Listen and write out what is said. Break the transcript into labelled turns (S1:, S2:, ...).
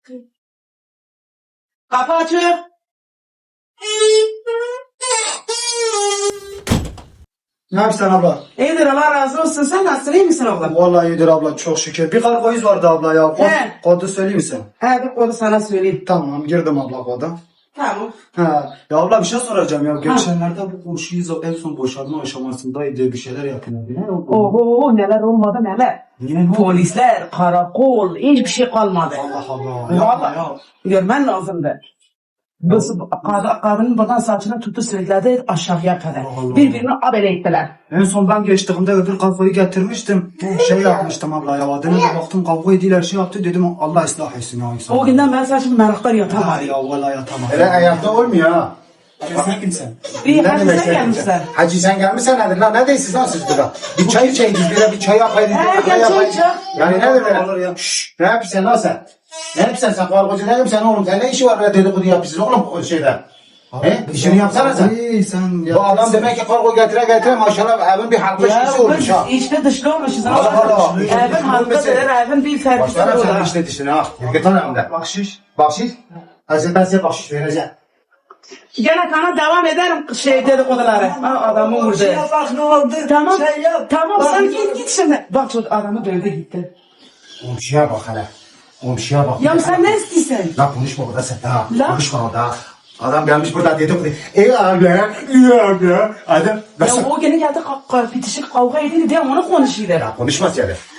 S1: Kapı açık.
S2: Ne yapıyorsun abla?
S1: İyidir Allah razı olsun. Sen nasılsın? İyi misin abla?
S2: Vallahi iyidir abla çok şükür. Bir kargo iz vardı abla ya.
S1: He.
S2: Kodu söyleyeyim misin?
S1: He bir konu sana söyleyeyim.
S2: Tamam girdim abla koda.
S1: Tamam.
S2: Ha. Ya abla bir şey soracağım ya. Geçenlerde bu komşuyuz en son boşanma aşamasındaydı. Bir şeyler yapıyordu. Ne oldu?
S1: Oho neler olmadı neler.
S2: Niye ne oldu?
S1: Polisler, karakol, hiçbir şey kalmadı.
S2: Allah Allah.
S1: Vallahi.
S2: Yapma ya.
S1: Görmen lazımdı. Kadının buradan saçını tuttu sürükledi aşağıya kadar.
S2: Allah.
S1: Birbirini abele ettiler.
S2: En son ben geçtiğimde öbür kafayı getirmiştim. Şey yapmıştım abla ya. Adına da baktım kavga ediler şey yaptı dedim Allah ıslah etsin ya insan.
S1: O günden ben saçımı meraklar
S2: Ha
S1: yatamadım.
S2: ya vallahi yatamam.
S3: Öyle hayatta olmuyor ha.
S2: Sen kimsin?
S1: Bir
S3: Ne
S1: hadise
S3: demek sen
S1: gelmişler.
S3: kimsin? Hacı sen gelmişsen nedir lan? Ne değilsiniz lan siz burada? Bir çay içeydiniz bir çay yapaydınız.
S1: He,
S3: bir
S1: gel
S3: kahve
S1: çay
S3: yapaydınız.
S1: iç ya.
S3: Yani nedir
S2: Olur ya.
S3: böyle? Şşş ne yapıyorsun lan sen? Ne yapıyorsun sen kargocu ne yapıyorsun oğlum? Sen ne işi var böyle dedikodu yapıyorsun oğlum bu şeyde? He? İşini yapsana sen.
S2: İyi sen ya.
S3: Bu adam demek ki kargo getire maşallah evin bir halka
S1: Ya
S3: şişi olmuş
S1: biz
S3: ha.
S1: içte dışlı olmuşuz.
S3: Allah Allah.
S1: Evin halkadır, evin bir servisi
S3: Başlarım senin
S1: olur.
S3: işte dişine ha. Git lan evimde.
S2: Bahşiş.
S3: Bahşiş. Hacı ben size bahşiş vereceğim.
S1: Gene kana devam ederim şey dedikoduları. Ha adamı vurdu.
S2: Bak ne oldu?
S1: Tamam.
S2: Şey yap.
S1: Tamam
S2: Bak,
S1: sen git şimdi. Bak şu adamı dövdü gitti.
S3: Komşuya bak hele. Komşuya bak.
S1: Ya sen ne istiyorsun?
S3: La konuşma burada sen ha.
S1: La.
S3: Konuşma orada. Adam gelmiş burada dedikodu. Ey abi. Adam.
S1: Ya o gene geldi bitişik kavga edildi diye onu konuşuyorlar.
S3: Ya konuşma sen.